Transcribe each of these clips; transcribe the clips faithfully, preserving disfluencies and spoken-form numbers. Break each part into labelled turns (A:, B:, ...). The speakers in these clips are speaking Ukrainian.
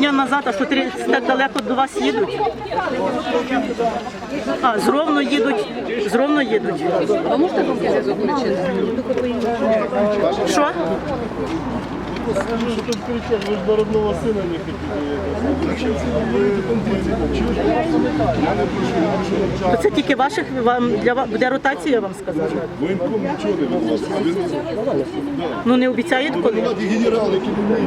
A: дня назад, а що три так далеко до вас їдуть? А, з Ровно їдуть, з Ровно їдуть.
B: Ви можете громкий зв'язок включити?
A: Що?
C: Скажи, что тут кричат, вы же до родного сына не хотите.
A: То це тільки ваших, вам, для вас, буде ротація, я вам сказала.
C: Воєнком нічого не від вас.
A: Ну не обіцяють коли?
C: Генерал, який не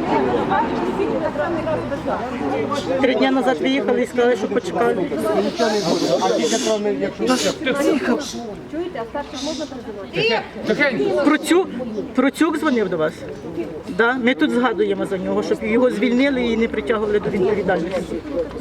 A: Три дні назад виїхали і сказали, що почекали. Процюк, Процюк дзвонив до вас? Да? Ми тут згадуємо за нього, щоб його звільнили і не притягували до відповідальності.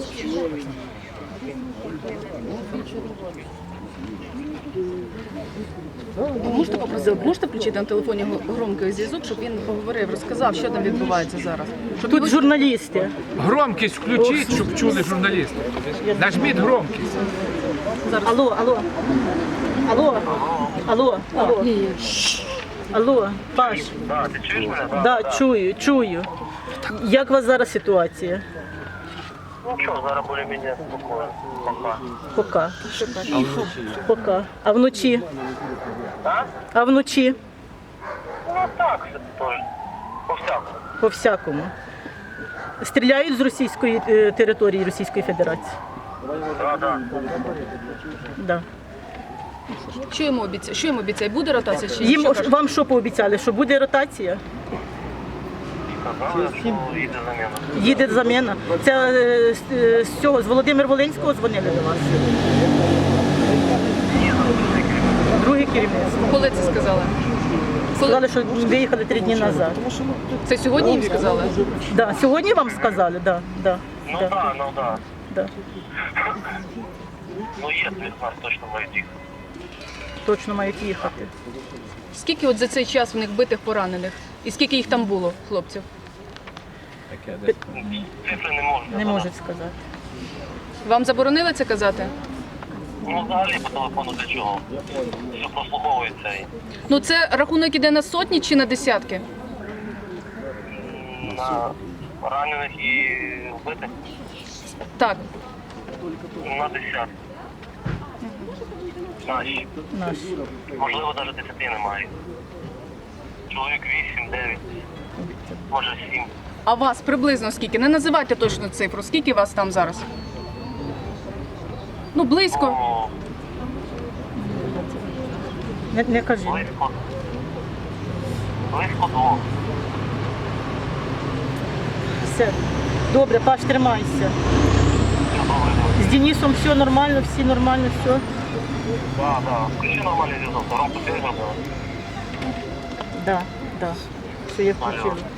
B: Можете попросити, можете включити на телефоні громкий зв'язок, щоб він поговорив, розказав, що там відбувається зараз? Щоб
A: Тут
B: його-
A: журналісти.
D: Громкість включіть, щоб чули журналісти. Нажміть громкість.
A: Алло, алло. Алло. Алло. Алло. Алло, Паш.
E: Да, ти чуєш мене?
A: Да, чую, чую. Як у вас зараз ситуація?
E: Ну що, зараз більш-менш спокійно. Пока.
A: Пока. Пока. А вночі?
E: А?
A: А вночі?
E: Ну так, все теж. По-всякому.
A: По всякому. Стріляють з російської е, території Російської Федерації.
E: Да, да.
A: Да.
B: Що йому обіцяє? Що йому обіцяє? Буде ротація чи ні?
A: Їм
B: Що кажуть?
A: вам що пообіцяли? Що буде ротація?
E: Сказали, що їде заміна.
A: Їде заміна. Це е, з, е, з цього з Володимир Волинського дзвонили до вас. Друге керівництво.
B: Коли це сказали? Коли?
A: Сказали, що виїхали три дні назад.
B: Це сьогодні їм сказали?
A: Да. Сьогодні вам сказали? Да. Да.
E: Ну
A: Да.
E: да, ну да.
A: Да.
E: Ну є від нас точно мають їх.
A: Точно мають їхати.
B: Скільки от за цей час в них битих, поранених? І скільки їх там було, хлопців?
E: Цифри не можна.
A: Не можуть сказати.
B: Вам заборонили це казати?
E: Ну взагалі по телефону для чого? Що прослуховується і
B: Ну це рахунок іде на сотні чи на десятки?
E: на ранених і вбитих
B: Так.
E: на десятки. Наші.
A: Наші.
E: Можливо, навіть десяти немає. Чоловік вісім, дев'ять, може сім.
B: А вас приблизно скільки? Не називайте точну цифру. Скільки вас там зараз? Ну, близько.
E: Ну,
A: Не, не кажіть.
E: близько. Близько двох.
A: Все. Добре, Паш, тримайся.
E: Все добре.
A: З Денисом все нормально, всі нормально, все.
E: Так, так. Включи нормальний зв'язок. Громко ти зробила.
A: Да, да. Все, я включила.